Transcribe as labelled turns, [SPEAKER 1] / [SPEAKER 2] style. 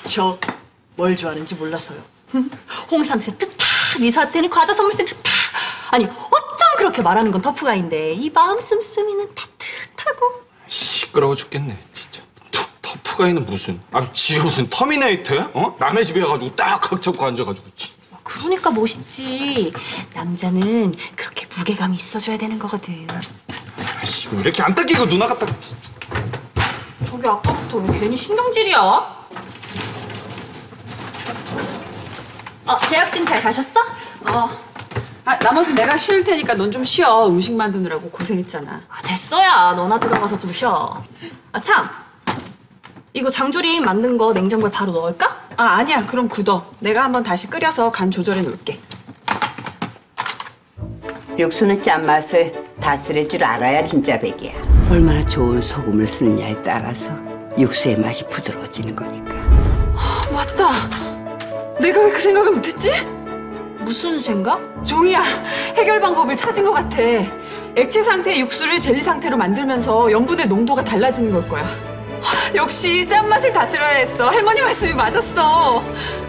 [SPEAKER 1] 저 뭘 좋아하는지 몰라서요. 홍삼 세트 탁, 미사한테는 과자 선물 세트 탁. 아니 어쩜 그렇게 말하는 건 터프가인데 이 마음 씀씀이는 따뜻하고.
[SPEAKER 2] 시끄러워 죽겠네 진짜. 터프가이는 무슨? 아 지가 무슨 터미네이터야? 어? 남의 집에 가가지고 딱 각 잡고 앉아가지고.
[SPEAKER 1] 그러니까 멋있지. 남자는 그렇게 무게감이 있어줘야 되는 거거든.
[SPEAKER 2] 아씨 왜 이렇게 안 닦이고 누나가 딱.
[SPEAKER 1] 저기 아까부터 왜 괜히 신경질이야? 재혁 씨는 잘 가셨어?
[SPEAKER 3] 나머지 내가 쉴 테니까 넌 좀 쉬어. 음식 만드느라고 고생했잖아.
[SPEAKER 1] 됐어야. 너나 들어가서 좀 쉬어. 참. 이거 장조림 만든 거 냉장고에 바로 넣을까?
[SPEAKER 3] 아니야. 그럼 굳어. 내가 한번 다시 끓여서 간 조절해 놓을게.
[SPEAKER 4] 육수는 짠맛을 다스릴 줄 알아야 진짜 백이야. 얼마나 좋은 소금을 쓰느냐에 따라서 육수의 맛이 부드러워지는 거니까.
[SPEAKER 3] 맞다. 내가 왜 그 생각을 못했지?
[SPEAKER 1] 무슨 생각?
[SPEAKER 3] 종이야. 해결 방법을 찾은 것 같아. 액체 상태의 육수를 젤리 상태로 만들면서 염분의 농도가 달라지는 걸 거야. 역시 짠맛을 다스려야 했어. 할머니 말씀이 맞았어.